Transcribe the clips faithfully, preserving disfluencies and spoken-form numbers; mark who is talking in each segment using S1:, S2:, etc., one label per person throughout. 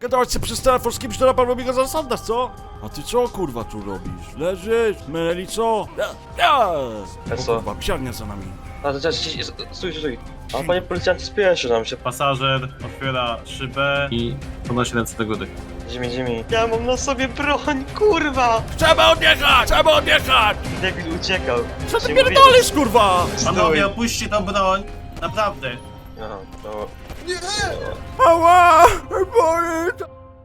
S1: Gadałeś się przez telefon z kimś, to na pewno mi go zasadasz, co? A ty co kurwa tu robisz? Leżysz? Myli co? Ja, ja. O
S2: co?
S1: kurwa, psiarnia za nami.
S2: A to czekaj, stój, stój. A panie policjancie, spieszy nam się.
S3: Pasażer otwiera szybę i podnosi ręce do góry.
S2: Zimi, zimi. Ja mam na sobie broń, kurwa!
S1: Trzeba odjechać! Trzeba odjechać!
S2: Debil uciekał.
S1: Co ty
S2: Ci
S1: pierdolisz, kurwa?
S3: Panowie, opuśćcie tą broń! Naprawdę!
S2: mówię- Aha, no.
S1: Ała! Boli!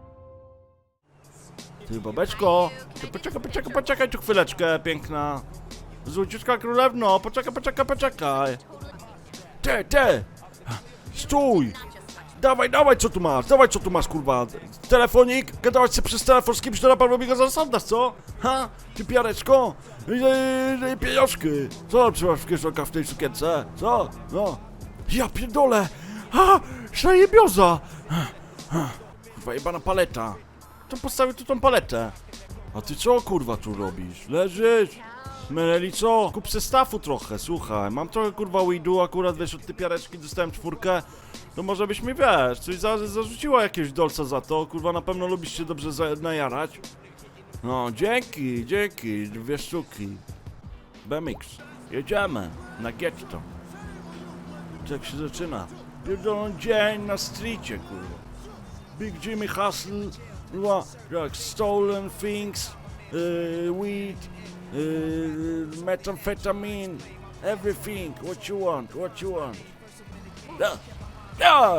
S1: Ty, babeczko! Ty poczekaj, poczekaj, poczekaj tu chwileczkę, piękna. Złociutka królewno, poczekaj, poczekaj, poczekaj. Ty, ty! Stój! Dawaj, dawaj, co tu masz? Dawaj, co tu masz, kurwa? Telefonik? Gadałaś się przez telefon z kimś, to na pewno mi go zasadasz, co? Ha? Ty piareczko? Yy, yy, pieniążki! Co trzymasz w kieszonkach w tej sukience? Co? No. Ja pierdolę! Ha! Szajebioza! Kurwa, jebana paleta. To postawię tu tą paletę. A ty co, kurwa, tu robisz? Leżysz? Myli co? Kup se stafu trochę, słuchaj. Mam trochę, kurwa, weedu, akurat, wiesz, od tej piareczki dostałem czwórkę. To może byś mi, wiesz, coś za, zarzuciła jakiegoś dolca za to. Kurwa, na pewno lubisz się dobrze za, najarać. No, dzięki, dzięki, dwie sztuki. B M X. Jedziemy na getto. Tak się zaczyna. Pierdolony dzień na streetie, kurwa. Big Jimmy Hustle, kurwa, jak stolen things, yy, weed, yy, methamphetamine, everything, what you want, what you want. Ja, ja!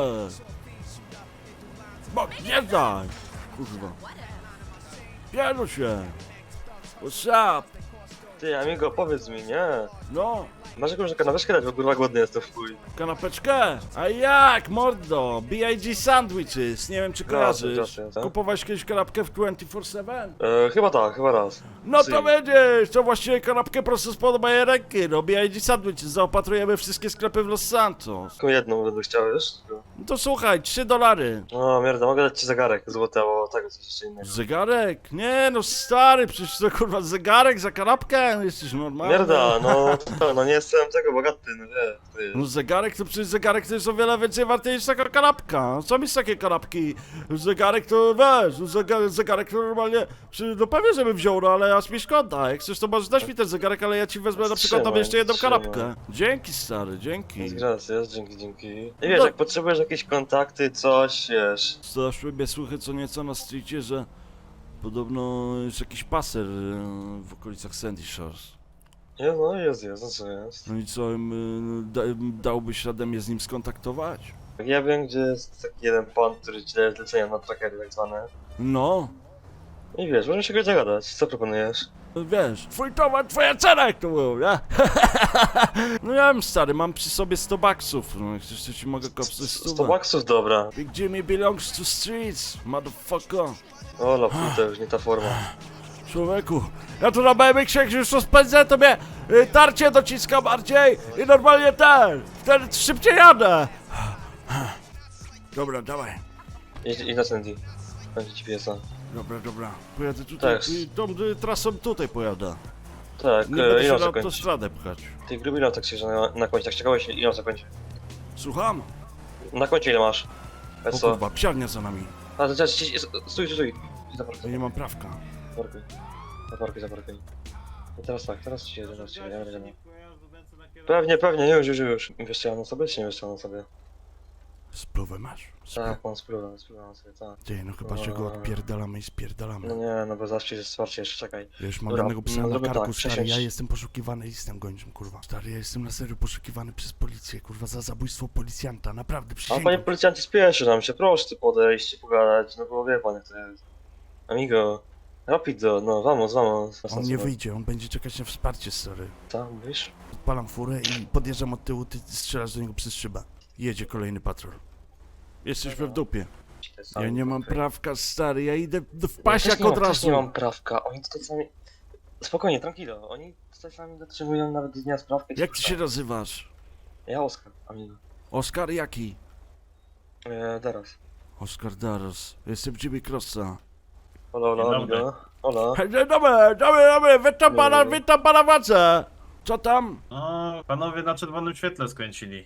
S1: Bo, nie daj, kurwa. Pierdol się. What's up?
S2: Ty, amigo, powiedz mi, nie?
S1: No.
S2: Masz jakąś kanapeczkę dać, bo kurwa głodny jestem w chuj.
S1: Kanapeczkę? A jak, mordo? B I G Sandwiches, nie wiem czy kojarzysz.
S2: jasne, tak.
S1: Kupowałeś kiedyś kanapkę w dwadzieścia cztery siedem?
S2: E, chyba tak, chyba raz.
S1: No
S2: Sy.
S1: to będziesz, to właściwie kanapkę prosto spod mojej ręki, no B I G Sandwiches, zaopatrujemy wszystkie sklepy w Los Santos.
S2: Tylko jedną będę chciał, wiesz?
S1: No to słuchaj, trzy dolary.
S2: O, mierda, mogę dać ci zegarek złoty albo tego, coś jeszcze innego.
S1: Zegarek? Nie no stary, przecież to kurwa zegarek za kanapkę? Jesteś normalny.
S2: Mierda, no, no nie jestem tego bogaty, no wie, ty.
S1: No zegarek to przecież zegarek to jest o wiele więcej warty niż taka kanapka. Co mi z takie kanapki? Zegarek to wiesz, zegarek, zegarek to normalnie. Czy, no pewnie żebym wziął, no ale aż mi szkoda. Jak chcesz to możesz dać mi ten zegarek, ale ja ci wezmę na przykład tam
S2: Trzymaj,
S1: jeszcze jedną
S2: trzymaj.
S1: kanapkę. Dzięki stary, dzięki.
S2: Gracias, dzięki, dzięki. I wiesz,
S1: No.
S2: jak potrzebujesz jakieś kontakty, coś, wiesz.
S1: Zaszły mnie słuchy co nieco na streetie, że podobno jest jakiś paser e, w okolicach Sandy Shores.
S2: Nie, no jest, jest, no co jest.
S1: No i co, em, da, dałbyś radę mnie z nim skontaktować?
S2: Ja wiem, gdzie jest taki jeden pan, który ci daje zlecenia na trackery tak zwane.
S1: No.
S2: I wiesz, możemy się go zagadać. Co proponujesz?
S1: Wiesz, twój towar, twoja cena, jak to było, nie? No ja wiem, stary, mam przy sobie sto baksów, no jak chcesz, to ci mogę kopsnąć
S2: sto
S1: stówę.
S2: baksów, dobra.
S1: Big Jimmy belongs to streets, motherfucker.
S2: O, la puta, już nie ta forma.
S1: Człowieku, ja tu na B M X-ie, jak już rozpędzę, to mnie y, tarcie dociska bardziej i normalnie ten, wtedy szybciej jadę. Dobra, dawaj.
S2: Idź, idź na Sandy. Będzie ci piesa.
S1: Dobra, dobra, pojadę tutaj,
S2: Tak.
S1: i tą y, trasą tutaj pojadę.
S2: Tak,
S1: Nie
S2: e,
S1: będę
S2: ile
S1: się
S2: on
S1: na
S2: zakończy?
S1: autostradę pchać.
S2: Ty gruby ile tak się na, na końcu, tak czekałeś, ile on zakończy?
S1: Słucham?
S2: Na końcu ile masz?
S1: O
S2: E, co?
S1: kurwa, psiarnia za nami.
S2: A, to czekaj, stój, stój, stój. Zaparkuj,
S1: Ja nie mam prawka.
S2: zaparkuj. Zaparkuj, zaparkuj. I teraz tak, teraz ci jedę, teraz ci jedę, jedę, jedę. Pewnie, pewnie, już, już, już. Wiesz co ja mam na sobie, czy nie wiesz co ja mam na sobie?
S1: Spluwę masz? Splu...
S2: Tak, mam spróbę, spróbę na sobie, tak.
S1: Ty, no chyba, że go odpierdalamy i spierdalamy.
S2: No nie, no bo zawsze jest wsparcie, jeszcze czekaj.
S1: Wiesz, mam
S2: Dobra,
S1: jednego psa
S2: no
S1: na
S2: zróbmy
S1: karku,
S2: tak,
S1: stary,
S2: przesiądź.
S1: ja jestem poszukiwany listem gończym, kurwa. Stary, ja jestem na serio poszukiwany przez policję, kurwa, za zabójstwo policjanta, naprawdę,
S2: A
S1: przysięgam.
S2: panie policjancie, spieszy nam się, proszę tu podejść i pogadać, no bo wie pan jak to jest. Amigo, rapido, no vamos, vamos.
S1: On nie wyjdzie, on będzie czekać na wsparcie, stary.
S2: Co, mówisz?
S1: Odpalam furę i podjeżdżam od tyłu, ty strzelasz do niego przez szybę. Jedzie kolejny patrol. Jesteśmy w dupie. Ja nie mam prawka, stary, ja idę do- w pasiak od
S2: Ja też nie
S1: razu.
S2: mam prawka, oni tutaj sami... Spokojnie, tranquilo, oni tutaj sami dotrzymują nawet dnia sprawkę.
S1: Jak ty się nazywasz?
S2: Ja Oskar, amigo.
S1: Oskar jaki?
S2: Eee, teraz.
S1: Oskar Daros. Jestem Jimmy Crossa.
S2: Hola, hola,
S3: Dzień dobry.
S2: amigo. Hola.
S1: Hej, dzień dobry, dobry, dobry, witam pana,
S2: Dobry.
S1: witam pana władze. Co tam?
S3: O, panowie na czerwonym świetle skręcili.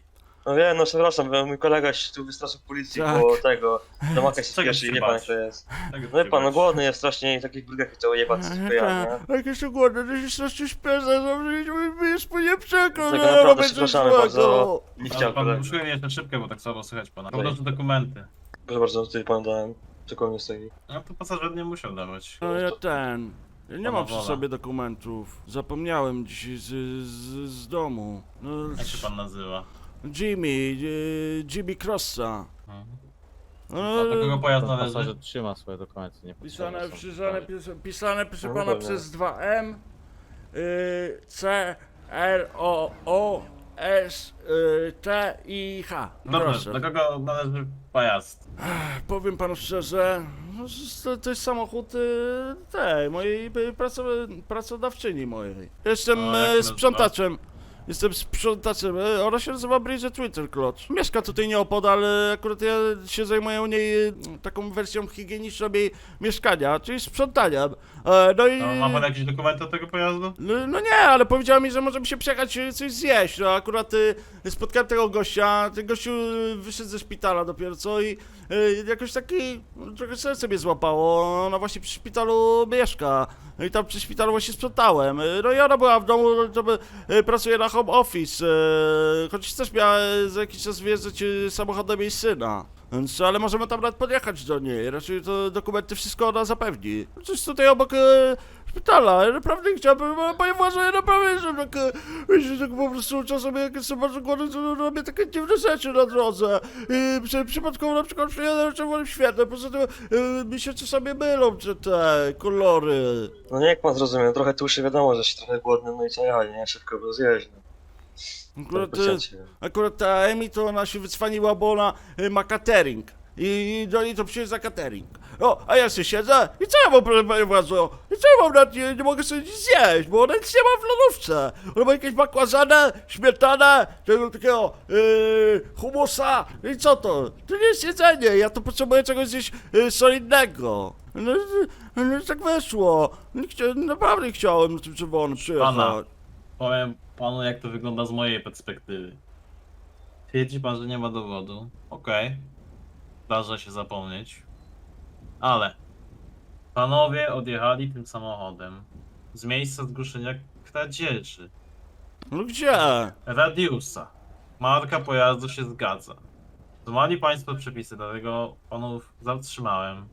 S2: No wiem, no przepraszam, bo mój kolega się tu wystraszył policji,
S1: Tak.
S2: bo tego, do maka się
S3: Czego
S2: spieszy i
S3: się
S2: wie pan
S3: bać?
S2: jak to jest.
S3: Tak,
S2: No wie pan, no głodny jest strasznie i takich brudach chciał jebać, tylko ja, nie?
S1: Jak jeszcze głodny, to się strasznie śpieszę, że już po nie przekro,
S2: Dlatego
S1: no,
S2: naprawdę
S1: robię coś
S2: przepraszamy
S1: złego.
S2: bardzo. Nie
S3: Ale
S2: chciał
S3: pan
S2: kolega.
S3: uszuje mnie jeszcze szybkę, bo tak słabo słychać pana.
S2: Tutaj.
S3: Podnoszę dokumenty.
S2: Proszę bardzo, tutaj panu dałem, tylko mnie stoi.
S3: No to pasażer nie musiał dawać.
S1: No ja ten... Ja nie
S3: Pana
S1: mam przy
S3: wola.
S1: sobie dokumentów. Zapomniałem dzisiaj z, z, z domu. No,
S3: Jak się pan nazywa?
S1: Jimmy, e, Jimmy Crossa.
S3: Mhm.
S1: No,
S3: A do kogo pojazd
S4: Pan
S3: należy?
S4: pasażer trzyma swoje dokumenty, nie
S1: pisane,
S4: potrzebne są.
S1: pisane, pisane, pisane proszę
S2: No,
S1: pana
S2: pewnie.
S1: przez dwa M, y, C, R, O, O, S, y, T i H.
S3: Dobrze,
S1: Proszę.
S3: do kogo należy pojazd?
S1: Powiem panu szczerze, no, to, to jest samochód y, tej, mojej y, praco, pracodawczyni mojej. Jestem
S3: O, jak się
S1: y,
S3: nazywa?
S1: sprzątaczem. Jestem sprzątaczem. y, Ona się nazywa Bridget Winterclotch. Mieszka tutaj nieopodal, y, akurat ja się zajmuję u niej y, taką wersją higieniczną jej mieszkania, czyli sprzątaniem. E, No i...
S3: No, ma pan jakieś dokumenty od tego pojazdu?
S1: No, no nie, ale powiedziała mi, że możemy się przejechać y, coś zjeść. No akurat y, spotkałem tego gościa, ten gościu y, wyszedł ze szpitala dopiero co i y, jakoś taki, no, trochę serce mnie złapało. Ona właśnie przy szpitalu mieszka. No i tam przy szpitalu właśnie sprzątałem. Y, No i ona była w domu, to by, y, pracuje na home office. Y, choć też miała y, za jakiś czas wjeżdżać y, samochodem jej syna. Więc, ale możemy tam nawet podjechać do niej. Raczej to dokumenty wszystko ona zapewni. Coś tutaj obok e, szpitala. Ja naprawdę chciałbym, ale panie władze, ja naprawdę jestem tak, e, wiecie, tak po prostu czasem jak jestem bardzo głodny, to robię takie dziwne rzeczy na drodze. I przy, przypadkowo na przykład przyjadę na czerwonym świetle, poza tym e, mi się czasami mylą te, te kolory.
S2: No nie jak pan zrozumie, trochę tłuszy, wiadomo, że się trochę głodny, no i co ja, nie? Szybko go zjeść, no.
S1: Akurat,
S2: Tak,
S1: e,
S2: pocięcie.
S1: akurat ta Emi to ona się wycwaniła, bo ona e, ma catering. I do niej to przyjeżdża za catering. O, a ja sobie siedzę i co ja mam, proszę panie władzo? I co ja mam na nie, nie mogę sobie nic zjeść, bo ona nic nie ma w lodówce. Ona ma jakieś bakłazanę, śmietanę, tego takiego yy, humusa. I co to? To nie jest jedzenie, ja to potrzebuję czegoś zjeść yy, solidnego. No, no, no tak wyszło. Nie chcia, naprawdę nie chciałem na tym czerwonym przyjechać.
S3: Pana. Powiem panu, jak to wygląda z mojej perspektywy. Twierdzi pan, że nie ma dowodu. Okej. Zdarza się zapomnieć. Ale panowie odjechali tym samochodem z miejsca zgłoszenia kradzieży.
S1: No gdzie?
S3: Radiusa. Marka pojazdu się zgadza. Złamali państwo przepisy, dlatego panów zatrzymałem.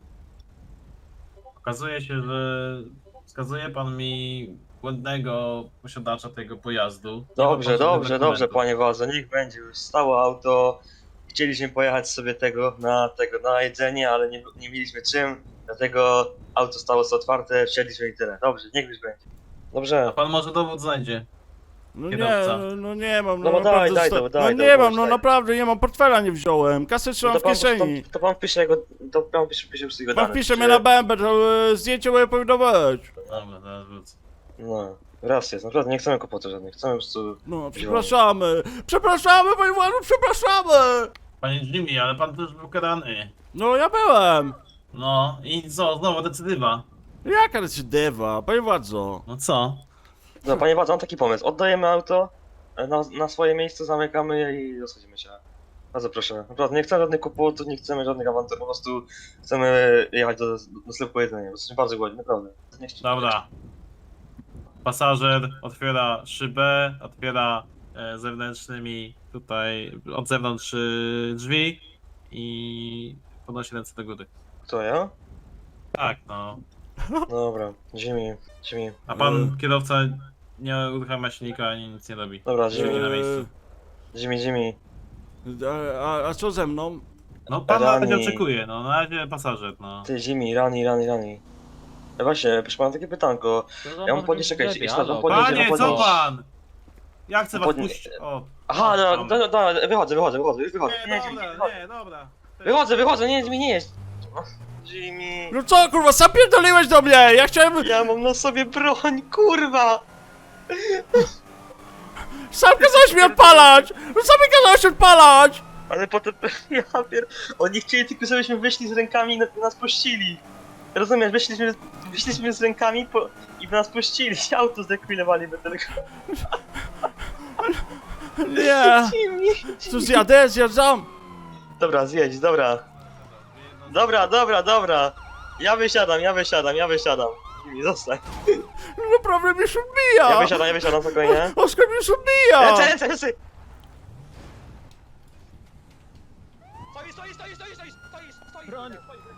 S3: Okazuje się, że wskazuje pan mi błędnego posiadacza tego pojazdu. Nie ma
S2: Dobrze,
S3: pan żadnych
S2: dobrze, dobrze,
S3: dokumentów.
S2: panie władze, niech będzie już stało auto. Chcieliśmy pojechać sobie tego na tego na jedzenie, ale nie, nie mieliśmy czym, dlatego auto stało sobie otwarte, wsiedliśmy i tyle. Dobrze, niech już będzie.
S3: A
S2: Dobrze.
S3: pan może dowód znajdzie.
S1: No nie,
S3: Kierowca.
S1: no, no nie mam, no,
S2: No bo daj,
S1: naprawdę
S2: daj
S1: zosta-
S2: to, daj
S1: No
S2: to,
S1: nie
S2: bo
S1: mam, no
S2: daj.
S1: naprawdę nie mam, portfela nie wziąłem, kasę trzymam
S2: To
S1: w
S2: pan,
S1: kieszeni.
S2: to, to pan wpisze jego, to pan wpisze, wpisze już jego
S1: Pan
S2: dane.
S1: wpisze
S2: czy-
S1: mnie na bębę, to e, zdjęcie moje powinno być.
S3: Dobra, teraz wrócę.
S2: No, raz jest, naprawdę nie chcemy kłopotu żadnych, chcemy po prostu...
S1: No, przepraszamy, przepraszamy, panie władzo, przepraszamy.
S3: Panie Jimmy, ale pan też był karany.
S1: No ja byłem.
S3: No i co, znowu decydywa.
S1: Jaka recydywa, panie władzo?
S3: No co?
S2: No, panie władze, mam taki pomysł, oddajemy auto, e, na, na swoje miejsce, zamykamy je i rozchodzimy się. Bardzo proszę, naprawdę nie chcemy żadnych kłopotów, nie chcemy żadnych awantur, po prostu chcemy jechać do, do sklepu po jedzenie, bo jesteśmy bardzo głodni, naprawdę. Nie chcę-
S3: Dobra. Pasażer otwiera szybę, otwiera e, zewnętrznymi tutaj od zewnątrz e, drzwi i podnosi ręce do góry.
S2: Kto, ja?
S3: Tak, no.
S2: Dobra, Jimmy, Jimmy.
S3: A pan
S1: Mm.
S3: kierowca nie uruchamia silnika ani nic nie robi.
S2: Dobra,
S3: Siedzi
S2: Jimmy,
S3: na miejscu.
S2: Jimmy, Jimmy.
S1: E, a, a co ze mną?
S3: No pan na razie
S2: Rani.
S3: oczekuje, no na razie pasażer, no.
S2: Ty, Jimmy, rani, rani, rani. Ja właśnie, proszę pana, takie pytanko. Ja mam podnieść, czekajcie, jeszcze raz mam podnieść,
S3: Panie,
S2: mam
S3: co
S2: podnieść.
S3: pan? Ja chcę was
S2: Podnie-
S3: puścić. O.
S2: Aha,
S3: o,
S2: dobra,
S3: tam.
S2: dobra, dobra, wychodzę, wychodzę, wychodzę, już wychodzę.
S3: Nie,
S2: Nie, Jimmy,
S3: dobra,
S2: wychodzę.
S3: nie, dobra.
S2: Wychodzę, wychodzę, nie, Jimmy, nie jest. Jimmy.
S1: No co kurwa, sam pierdoliłeś do mnie, ja chciałem,
S2: Ja mam na sobie broń, kurwa!
S1: sam kazałeś mnie odpalać, no sam mi kazałeś odpalać.
S2: Ale potem, ja pier... Oni chcieli tylko, żebyśmy wyszli z rękami i na- nas puścili. Rozumiesz, wyszliśmy, wyszliśmy z rękami po... i nas puścili. Auto zdekwilowali by tylko.
S1: Nie! Tu zjadę, zjadzam!
S2: Dobra, zjedź, dobra. Dobra, dobra, dobra. Ja wysiadam, ja wysiadam, ja wysiadam. Jimmy, zostań.
S1: No naprawdę mnie się odbija!
S2: Ja wysiadam, ja wysiadam, spokojnie.
S1: Oskar mnie się odbija!
S2: Lecę, lecę, lecę! Stoi, stoi, stoi, stoi, stoi, stoi, stoi! Broń!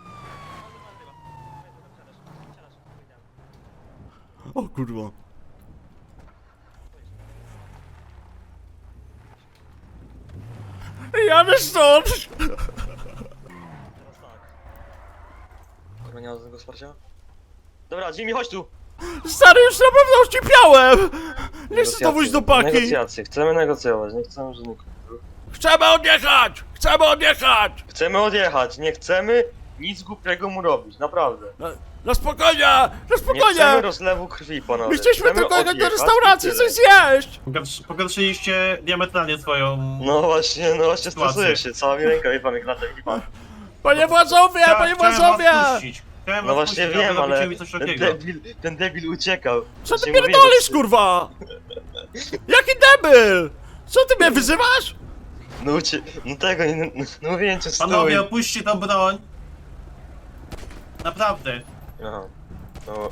S1: O kurwa. Jadę stąd!
S2: Kurwa, nie ma żadnego wsparcia? Dobra, Jimmy, chodź tu!
S1: Stary, już na pewno ścipiałem! Nie chcę to wójść do paki!
S2: Negocjacje, chcemy negocjować, nie chcemy żadnych...
S1: Chcemy odjechać! Chcemy odjechać!
S2: Chcemy odjechać, nie chcemy nic głupiego mu robić, naprawdę.
S1: Na, na spokojnie! Na
S2: Nie chcemy
S1: spokojnie!
S2: rozlewu krwi, panowie.
S1: My chcieliśmy
S2: Chcemy
S1: tylko jechać do
S2: odjechać
S1: restauracji,
S2: i tyle.
S1: coś zjeść!
S3: Pogarsz- Pogorszyliście diametralnie swoją...
S2: No właśnie, no właśnie
S3: Sytuację.
S2: stresuję się, cała mi ręka, wie pan, jak lata, wie pan.
S1: Panie władzowie,
S3: Chcia-
S1: panie
S3: chciałem
S1: władzowie!
S3: was puścić. Chciałem
S2: No
S3: was
S2: właśnie
S3: puścić,
S2: wiem,
S3: a wy
S2: ale
S3: robicie mi coś
S2: ten
S3: takiego.
S2: debil, ten debil uciekał.
S1: Co ty
S2: Właśnie mówię,
S1: pierdolisz,
S2: że-
S1: kurwa? Jaki debil? Co ty mnie wyzywasz?
S2: No ucie... no tego, nie, no, no mówiłem cię, stój.
S3: Panowie, opuśćcie tą broń. Naprawdę.
S2: Aha, no...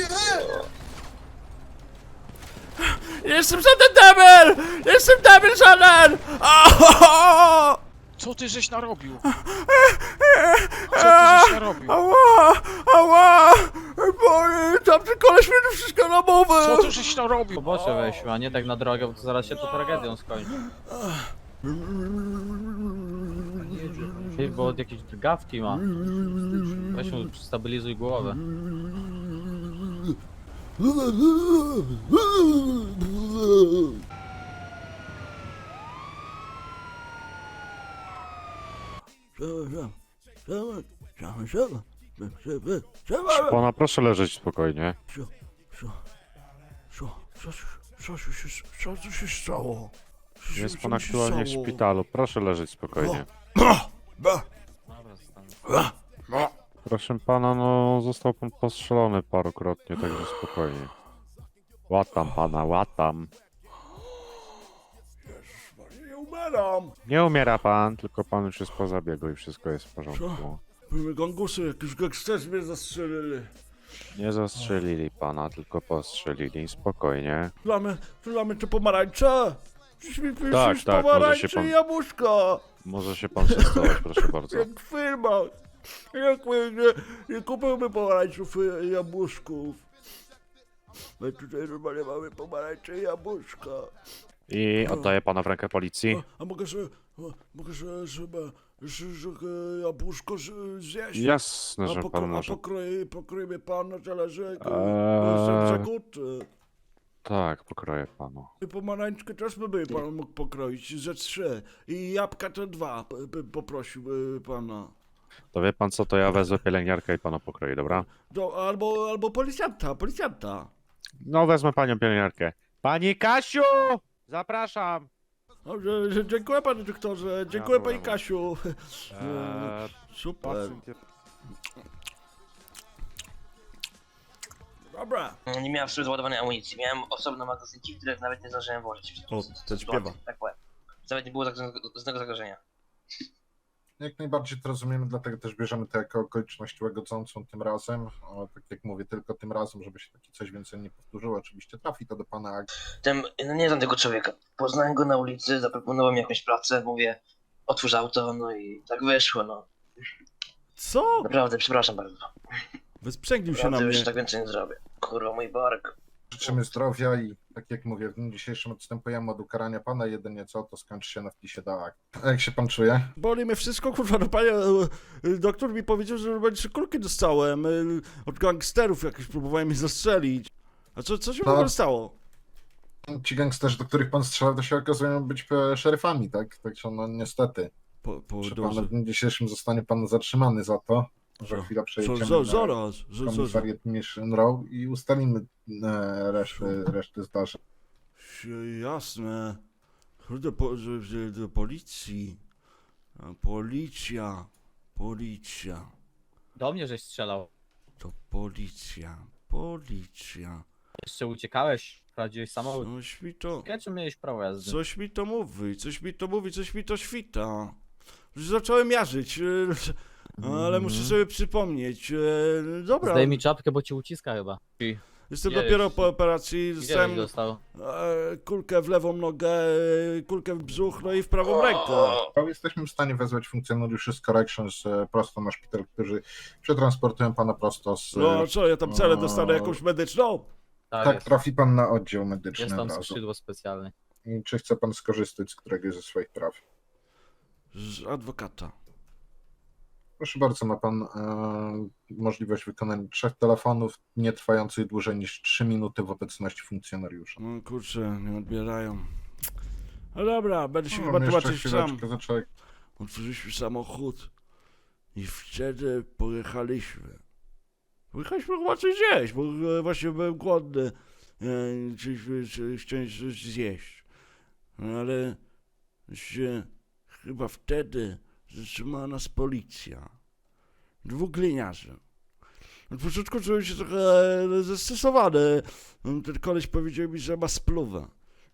S1: Jestem żaden debil! Jestem debil żaden! Aaaa!
S4: Co ty żeś narobił? Co ty żeś narobił?
S1: Ała! Ała! Boli! Tamten koleś mnie tu wszystko na mowę!
S4: Co ty żeś narobił?
S5: Pobocze weźmy, a nie tak na drogę, bo to zaraz się to tragedią skończy. Ty, bo jakieś drgawki ma. Weź mu stabilizuj głowę.
S6: Pana, proszę leżeć spokojnie.
S1: Co? Co? Co? Co? Co się, co tu się stało? Co się-
S6: Jest
S1: co
S6: pan
S1: mi się
S6: aktualnie w
S1: stało?
S6: szpitalu. Proszę leżeć spokojnie.
S1: Ba! Ba!
S5: Dobra,
S1: Ba!
S6: Proszę pana, no został pan postrzelony parokrotnie, także spokojnie. Łatam pana, łatam.
S1: Nie umieram!
S6: Nie umiera pan, tylko pan już jest po zabiegu i wszystko jest w porządku.
S1: Były gangusy, jakieś gangsterzy mnie zastrzelili.
S6: Nie zastrzelili pana, tylko postrzelili. Spokojnie.
S1: Mamy, tu mamy te pomarańcze? Czyś mi piszesz
S6: Tak, tak, może
S1: pomarańcze
S6: się pan-
S1: i jabłuszka!
S6: Może się pan przestować, proszę bardzo.
S1: Jak w filmach! Jak my nie, nie kupujemy pomarańczów i jabłuszków. My tutaj normalnie mamy pomarańcze i jabłuszka.
S6: I oddaję pana w rękę policji.
S1: A, a mogę sobie, a, mogę sobie, sobie że, że, e, jabłuszko z- zjeść?
S6: Jasne,
S1: A,
S6: że
S1: pokro,
S6: pan
S1: a
S6: może.
S1: pokroi, pokroi mnie pan na talerzyk?
S6: Eee.
S1: Jestem zakuty.
S6: Tak, pokroję panu.
S1: I pomarańczkę też by, by pan mógł pokroić ze trzy. I jabłka to dwa, p- p- poprosił y, pana.
S6: To wie pan co, to ja wezmę pielęgniarkę i panu pokroję, dobra?
S1: Do, albo, albo policjanta, policjanta.
S6: No wezmę panią pielęgniarkę. Pani Kasiu! Zapraszam!
S1: Dobrze, że- dziękuję panie doktorze, dziękuję pani
S6: dobra.
S1: Kasiu.
S6: Eee,
S1: Super.
S6: pacjent jest-
S1: Dobra.
S2: Nie miałem ładowanej amunicji, miałem osobne magazynki, które nawet nie zdążyłem włożyć.
S1: O, ten śpiewa.
S2: Tak powiem. Nawet nie było żadnego zagrożenia.
S7: Jak najbardziej to rozumiemy, dlatego też bierzemy to jako okoliczność łagodzącą tym razem. O, tak jak mówię, tylko tym razem, żeby się takie coś więcej nie powtórzyło. Oczywiście trafi to do pana Ag.
S2: Ten, no nie znam tego człowieka. Poznałem go na ulicy, zaproponował mi jakąś pracę, mówię, otwórz auto, no i tak wyszło, no.
S1: Co?
S2: Naprawdę, przepraszam bardzo.
S1: Wysprzęgnił się na
S2: Naprawdę
S1: mnie.
S2: już tak więcej nie zrobię. Kurwa, mój bark.
S7: Życzymy zdrowia i tak jak mówię, w dniu dzisiejszym odstępujemy od ukarania pana. Jedynie co, to skończy się na wpisie do akt. A jak się pan czuje?
S1: Boli mnie wszystko, kurwa, no panie, e, e, doktor mi powiedział, że będzie trzy kulki dostałem e, od gangsterów jakieś, próbowałem mnie zastrzelić. A co, co się w
S7: No.
S1: ogóle stało?
S7: Ci gangsterzy, do których pan strzelał, to się okazują być e, szeryfami, tak? Także no niestety.
S1: Po, po,
S7: Że
S1: dobrze.
S7: pan w dniu dzisiejszym zostanie pan zatrzymany za to. Za
S1: Co?
S7: chwilę
S1: Co,
S7: przejedziemy
S1: za,
S7: na
S1: zaraz, że, że, że.
S7: komisariat Mission Row i ustalimy e, reszty, reszty zdarzeń.
S1: Sie- Jasne. Kurde, po, że, że, do policji. A, policja. Policja.
S5: do mnie żeś strzelał.
S1: To policja. Policja.
S5: Jeszcze uciekałeś. prowadziłeś samochód.
S1: Coś mi to...
S5: Czy miałeś prawo jazdy?
S1: Coś mi to mówi, coś mi to mówi, coś mi to świta. Już zacząłem jarzyć, e, ale muszę sobie przypomnieć. e, Dobra,
S5: Zdaj mi czapkę, bo ci uciska chyba. I
S1: jestem
S5: Gdzie
S1: dopiero
S5: jest?
S1: po operacji,
S5: gdzie
S1: dostałem
S5: żeś dostał?
S1: e, kulkę w lewą nogę, e, kulkę w brzuch, no i w prawą rękę.
S7: Jesteśmy w stanie wezwać funkcjonariuszy z Corrections e, prosto na szpital, którzy przetransportują pana prosto z...
S1: No co, ja tam celę dostanę jakąś medyczną?
S5: Tak,
S7: tak,
S5: jest.
S7: trafi pan na oddział medyczny
S5: Jest tam
S7: od razu.
S5: skrzydło specjalne.
S7: I czy chce pan skorzystać z któregoś ze swoich praw?
S1: Z adwokata.
S7: Proszę bardzo, ma pan e, możliwość wykonania trzech telefonów, nie trwających dłużej niż trzy minuty w obecności funkcjonariusza.
S1: No kurczę, nie odbierają. No dobra, będę się
S7: No,
S1: chyba
S7: mamy jeszcze
S1: tłumaczyć sam.
S7: chwileczkę, zaczek-
S1: Otworzyliśmy samochód i wtedy pojechaliśmy. Pojechaliśmy chyba coś zjeść, bo e, właśnie byłem głodny. E, Chcieliśmy coś- chciałem coś zjeść. No ale się chyba wtedy zatrzymała nas policja. Dwóch gliniarzy. Na początku czułem się trochę zestresowany. Ten koleś powiedział mi, że ma spluwę.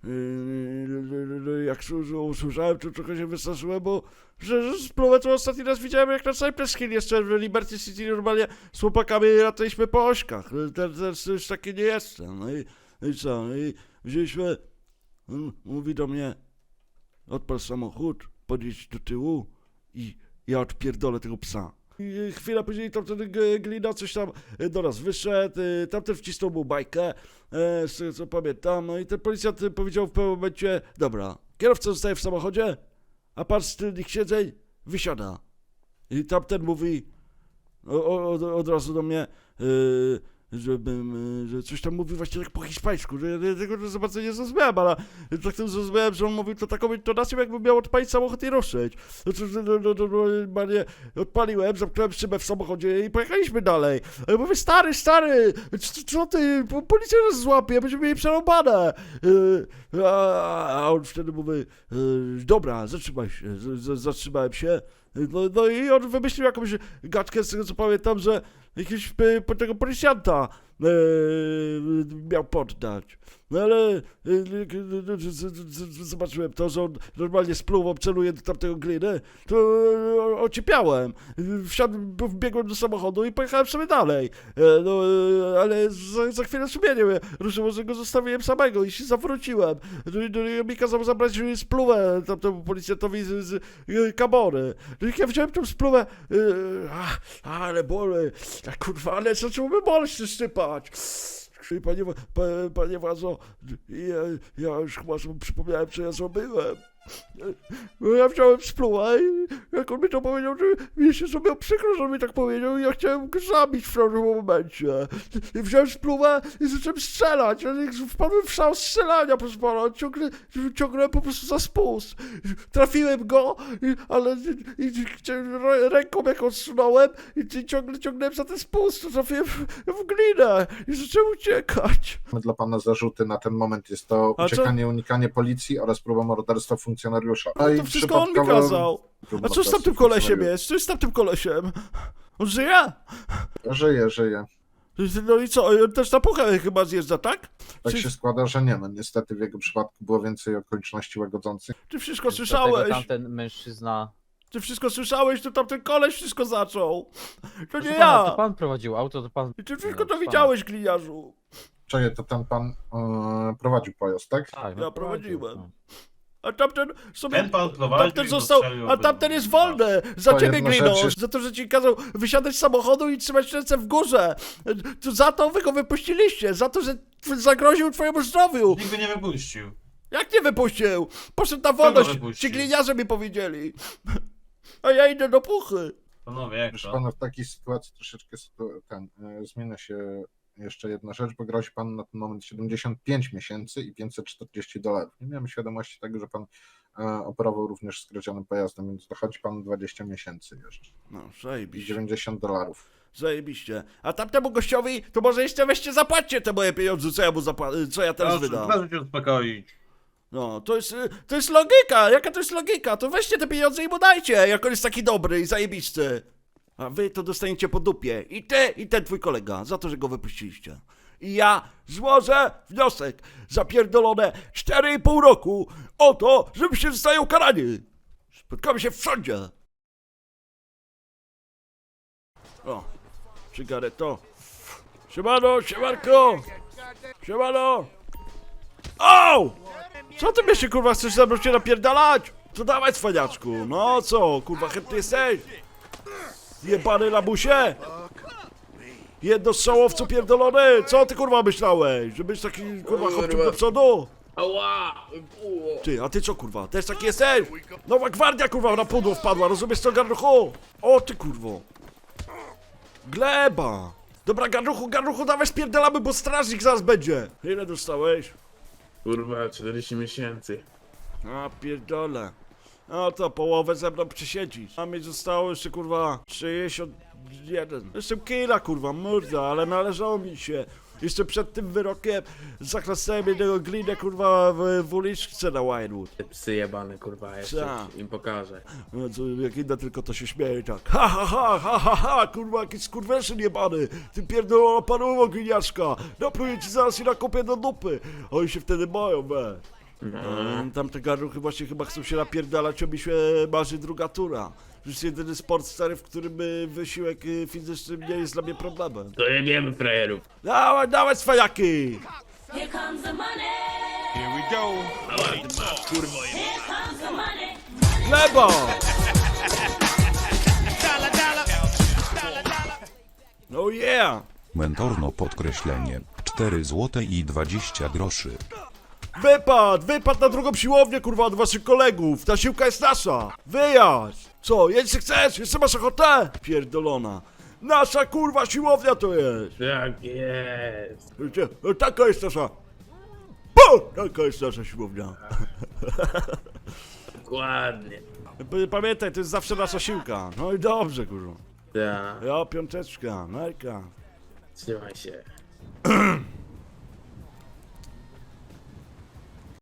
S1: Yy, Jak usłyszałem, to trochę się wystraszyłem, bo że, że spluwę to ostatni raz widziałem, jak na Cypress Hill jeszcze w Liberty City normalnie z chłopakami lataliśmy po ośkach. Teraz, teraz już taki nie jestem. No i, no i co? No i wzięliśmy, on mówi do mnie, odpal samochód, podjedź do tyłu i ja odpierdolę tego psa. I chwilę później tamten g- glina coś tam e, do nas wyszedł, e, tamten wcisnął mu bajkę, e, z tego co pamiętam, no i ten policjant e, powiedział w pewnym momencie, dobra, kierowca zostaje w samochodzie, a pan z tylnych siedzeń wysiada. I tamten mówi o, o, od, od razu do mnie, e, żebym, e, że coś tam mówił właśnie tak po hiszpańsku, że ja tego za bardzo nie zrozumiałem, ale tak to zrozumiałem, że on mówił to taką intonacją, jakby miał odpalić samochód i ruszyć. No to, no, no, no, no, normalnie odpaliłem, zamknąłem szybę w samochodzie i pojechaliśmy dalej. A ja mówię, stary, stary, co, co ty, po- policja nas złapie, będziemy mieli przerąbane. Yy, a, a on wtedy mówi, yy, dobra, zatrzymaj się, z, z, zatrzymałem się. No, no i on wymyślił jakąś gadkę, z tego co pamiętam, że jakiegoś e, po- tego policjanta e, miał poddać. No ale e, e, z- z- z- zobaczyłem to, że on normalnie spluwą celuje do tamtego gliny, to e, ociepiałem. Wsiadłem, wbiegłem do samochodu i pojechałem sobie dalej. E, No, e, ale za, za chwilę sumienie mnie ruszyło, że go zostawiłem samego i się zawróciłem. No i no, i mi kazał zabrać spluwę tamtemu policjantowi z, z e, kamory. No i jak ja wziąłem tą spluwę, e, a, ale boli, a kurwa, ale zaczęło mnie boleć szczypać. Panie, pa, panie władzo, ja, ja już chyba sobie przypomniałem, co ja zrobiłem. Ja wziąłem spluwę i jak on mi to powiedział, że mi się zrobiło przykro, że on mi tak powiedział i ja chciałem go zabić w pewnym momencie. I wziąłem spluwę i zacząłem strzelać. Ja wpadłem w szał strzelania, proszę pana, ciągle, ciągnąłem po prostu za spust. Trafiłem go, i, ale i, i, chciałem- ręką jak odsunąłem i, i ciągle ciągnąłem za ten spust, to trafiłem w, w glinę i zacząłem uciekać.
S7: Mamy dla pana zarzuty na ten moment jest to
S1: A co-
S7: uciekanie, unikanie policji oraz próba morderstwa funkcjonariusza.
S1: No
S7: i
S1: to wszystko on mi
S7: przypadkowo-
S1: kazał.
S7: próba
S1: A co z tamtym
S7: morderstwa
S1: kolesiem
S7: funkcjonariusza.
S1: jest? Co jest z tamtym kolesiem? On żyje?
S7: Żyje, żyje.
S1: No i co? On też na puchę chyba zjeżdża, tak?
S7: Tak
S1: Czy,
S7: się składa, że nie. No niestety w jego przypadku było więcej okoliczności łagodzących.
S1: ty wszystko
S5: Dlatego
S1: słyszałeś?
S5: tamten mężczyzna...
S1: Ty wszystko słyszałeś? To tamten koleś wszystko zaczął. To
S5: Proszę
S1: nie
S5: pana, to
S1: ja.
S5: pan prowadził auto, to pan...
S1: I ty wszystko
S5: No,
S1: to
S5: pana.
S1: widziałeś, gliniarzu.
S7: Czekaj, to ten pan e, prowadził pojazd, tak?
S5: Tak,
S1: Ja
S5: no,
S1: prowadziłem.
S5: prowadził, no.
S1: A tamten sobie...
S3: Ten pan prowadził
S1: Tamten
S3: i
S1: został...
S3: zastrzelił
S1: A tamten
S3: obydwu.
S1: jest wolny! Za
S7: To
S1: ciebie,
S7: jedna
S1: glino!
S7: rzecz jest-
S1: Za to, że ci kazał wysiadać z samochodu i trzymać ręce w górze! To za to wy go wypuściliście! Za to, że zagroził twojemu zdrowiu!
S3: Nikt go nie wypuścił.
S1: Jak nie wypuścił? Poszedł na wolność,
S3: wypuścił?
S1: ci gliniarze mi powiedzieli. A ja idę do puchy.
S3: Panowie, jak
S7: Proszę
S3: to?
S7: pana, w takiej sytuacji troszeczkę sytu- ten, e, zmienia się jeszcze jedna rzecz, bo grozi pan na ten moment siedemdziesiąt pięć miesięcy i pięćset czterdzieści dolarów. Nie miałem świadomości tego, że pan e, operował również skradzionym pojazdem, więc dochodzi pan dwadzieścia miesięcy jeszcze
S1: No,
S7: i
S1: zajebiście,
S7: dziewięćdziesiąt dolarów.
S1: zajebiście. A tamtemu gościowi, to może jeszcze weźcie zapłaćcie te moje pieniądze, co ja mu zapłacę, co ja teraz
S3: Proszę,
S1: wydam.
S3: proszę się uspokoić.
S1: No, to jest, y, to jest logika, jaka to jest logika? To weźcie te pieniądze i mu dajcie, jak on jest taki dobry i zajebisty. A wy to dostaniecie po dupie. I ty, i ten twój kolega, za to, że go wypuściliście. I ja złożę wniosek za pierdolone cztery i pół roku o to, żebyście zostali ukarani. Spotkamy się w sądzie. O, cygareto. Siemano, siemanko. Siemano. Au! Co ty mnie się kurwa chcesz ze mną się napierdalać? To dawaj cwaniaczku. No co, kurwa chętny jesteś? Jebany labusie. Jednostrzałowcu pierdolony. Co ty kurwa myślałeś? Że być taki kurwa chłopcem do przodu?
S8: Ała!
S1: Ty, a ty co kurwa? Też taki jesteś? Nowa gwardia kurwa na pudło wpadła, rozumiesz co garnuchu? O ty kurwo. Gleba. Dobra garnuchu, garnuchu dawaj spierdalamy, bo strażnik zaraz będzie. Ile dostałeś?
S8: Kurwa, czterdzieści miesięcy.
S1: A pierdolę. No to połowę ze mną przesiedzisz. A mi zostało jeszcze kurwa sześćdziesiąt jeden. Jestem killa kurwa, morda, ale należało mi się. Jeszcze przed tym wyrokiem zaklasałem jednego glinę kurwa w, w uliczce na Winewood.
S8: Te psy jebane, kurwa, jeszcze
S1: Co?
S8: im pokażę.
S1: No co, jak inne tylko to się śmieje tak. Ha ha ha ha ha ha, kurwa jakiś skurweszyn jebany. Ty pierdolona paruwo gliniaszka. Napluję ci zaraz i nakopię do dupy. Oni się wtedy boją, we.
S8: No.
S1: Mm, tamte garnuchy właśnie chyba chcą się napierdalać, obi się marzy druga tura. To jest jedyny sport stary, w którym y, wysiłek y, fizyczny nie jest dla mnie problemem.
S8: To jebiemy frajerów.
S1: Dawaj, dawaj swajaki!
S9: Here comes the money.
S4: Here we go.
S8: Ała, ty masz, kurwo, jeb...
S9: Here comes the money.
S1: Gleba! Oh yeah!
S10: Mentorno podkreślenie. cztery złote i dwadzieścia groszy.
S1: Wypad! Wypad na drugą siłownię, kurwa, od waszych kolegów! Ta siłka jest nasza! Wyjazd! Co, jeszcze chcesz? Jeszcze masz ochotę? Pierdolona. Nasza, kurwa, siłownia to jest!
S8: Tak jest.
S1: Wiecie, no taka jest nasza... Po! Taka jest nasza siłownia.
S8: Dokładnie.
S1: P- Pamiętaj, to jest zawsze nasza siłka. No i dobrze, kurwa.
S8: Tak,
S1: Ja, piąteczka, Majka.
S8: trzymaj się.